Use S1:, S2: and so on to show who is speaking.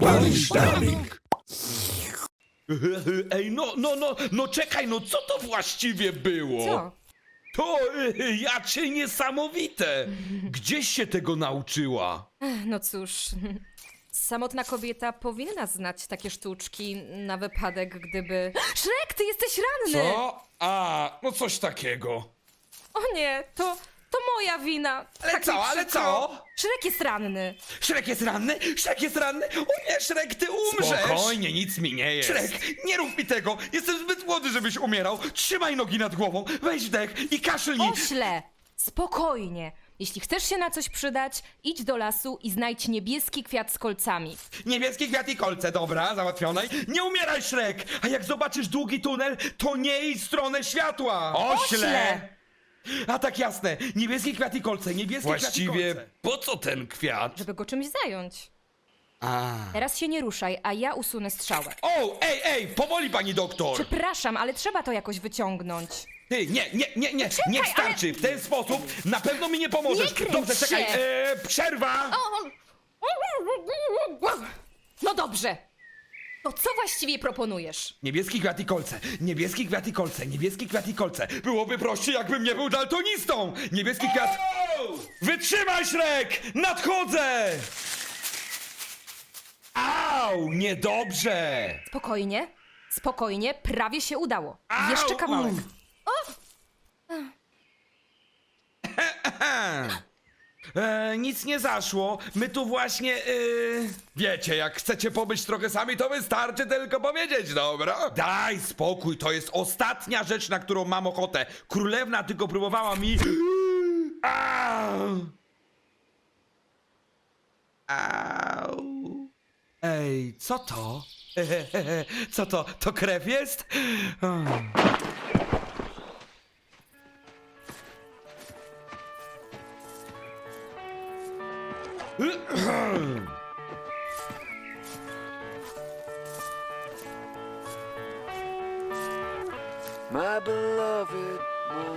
S1: Spanish Darling.
S2: Ej, no czekaj, no co to właściwie było?
S3: Co?
S2: To jacie niesamowite! Gdzieś się tego nauczyła?
S3: No cóż, samotna kobieta powinna znać takie sztuczki na wypadek, gdyby... Szrek, ty jesteś ranny!
S2: Co? A, no coś takiego.
S3: O nie, to moja wina.
S2: Ale
S3: Tak
S2: co,
S3: mi
S2: ale
S3: przykro.
S2: co?
S3: Szrek jest ranny.
S2: Szrek jest ranny? Szrek jest ranny? O nie, Szrek, ty umrzesz!
S4: Spokojnie, nic mi nie jest.
S2: Szrek, nie rób mi tego! Jestem zbyt młody, żebyś umierał! Trzymaj nogi nad głową, weź wdech i kaszlnij!
S3: Ośle, spokojnie. Jeśli chcesz się na coś przydać, idź do lasu i znajdź niebieski kwiat z kolcami.
S2: Niebieski kwiat i kolce, dobra, załatwione. Nie umieraj, Szrek! A jak zobaczysz długi tunel, to nie idź w stronę światła!
S3: Ośle!
S2: A tak jasne, niebieski kwiat i kolce, niebieski
S4: Właściwie
S2: kwiat i kolce.
S4: po co ten kwiat?
S3: Żeby go czymś zająć.
S2: A.
S3: Teraz się nie ruszaj, a ja usunę strzałę.
S2: O, ej, powoli pani doktor!
S3: Przepraszam, ale trzeba to jakoś wyciągnąć.
S2: Ty, nie, niech starczy! W ten sposób na pewno mi nie pomożesz!
S3: Nie kręć
S2: Dobrze, czekaj,
S3: się.
S2: przerwa!
S3: No dobrze. To co właściwie proponujesz?
S2: Niebieski kwiat i kolce, niebieski kwiat i kolce, niebieski kwiat i kolce. Byłoby prościej, jakbym nie był daltonistą! Niebieski kwiat... Wytrzymaj, Szrek! Nadchodzę! Au, niedobrze!
S3: Spokojnie, spokojnie, prawie się udało.
S2: Au,
S3: Jeszcze kawałek.
S2: Nic nie zaszło. My tu właśnie. Wiecie, jak chcecie pobyć trochę sami, to wystarczy tylko powiedzieć, dobra? Daj spokój, to jest ostatnia rzecz, na którą mam ochotę. Królewna tylko próbowała mi. Au! Au! Ej, co to? Co to? To krew jest?
S5: My beloved